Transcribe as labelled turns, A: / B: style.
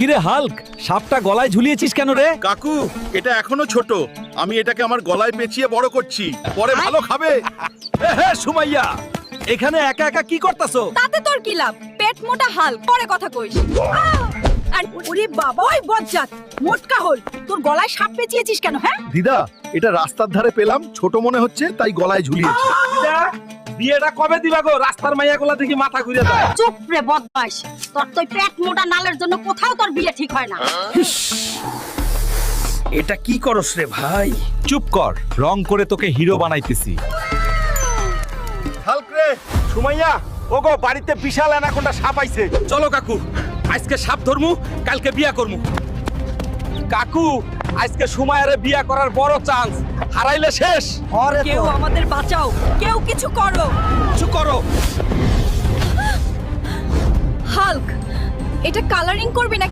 A: কিরে হাল্ক, সাপটা গলায় ঝুলিয়েছিস কেন রে?
B: কাকু, এটা এখনো ছোট। আমি এটাকে আমার গলায় পেঁচিয়ে বড় করছি, পরে ভালো খাবে।
A: হে সুমাইয়া, এখানে একা একা কি করতাছো?
C: তাতে তোর কি লাভ? পেট মোটা হাল, পরে কথা কইস। আর ওরে বাবা, ওই বজ্জাত মোটকা হল, তোর গলায় সাপ পেঁচিয়েছিস কেন? হ্যাঁ,
B: দিদা, এটা রাস্তার ধারে পেলাম, ছোট মনে হচ্ছে তাই গলায় ঝুলিয়েছি।
A: বিয়েটা কবে দিবা গো? রাস্তার মাইয়া গোলা থেকে মাথা ঘুরে যায়।
C: চুপ রে বদমাইশ, তোর তো পেট মোটা নালের জন্য কোথাও তোর বিয়ে ঠিক হয় না।
A: এটা কি করস রে ভাই? চুপ কর, রং করে তোকে হিরো বানাইতেছি।
B: হাল্ক রে, সুমাইয়া, ওগো বাড়িতে বিশাল অ্যানাকোন্ডা সাপ আইছে।
A: চলো কাকু, আজকে সাপ ধরমু, কালকে বিয়া করমু। কাকু, আজকে সুমাইয়ারে বিয়া করার বড় চান্স, হারাইলে শেষ।
C: কেউ আমাদের বাঁচাও, কেউ কিছু করো।
A: কিছু করো।
C: হাল্ক, এটা কালারিং করবি না?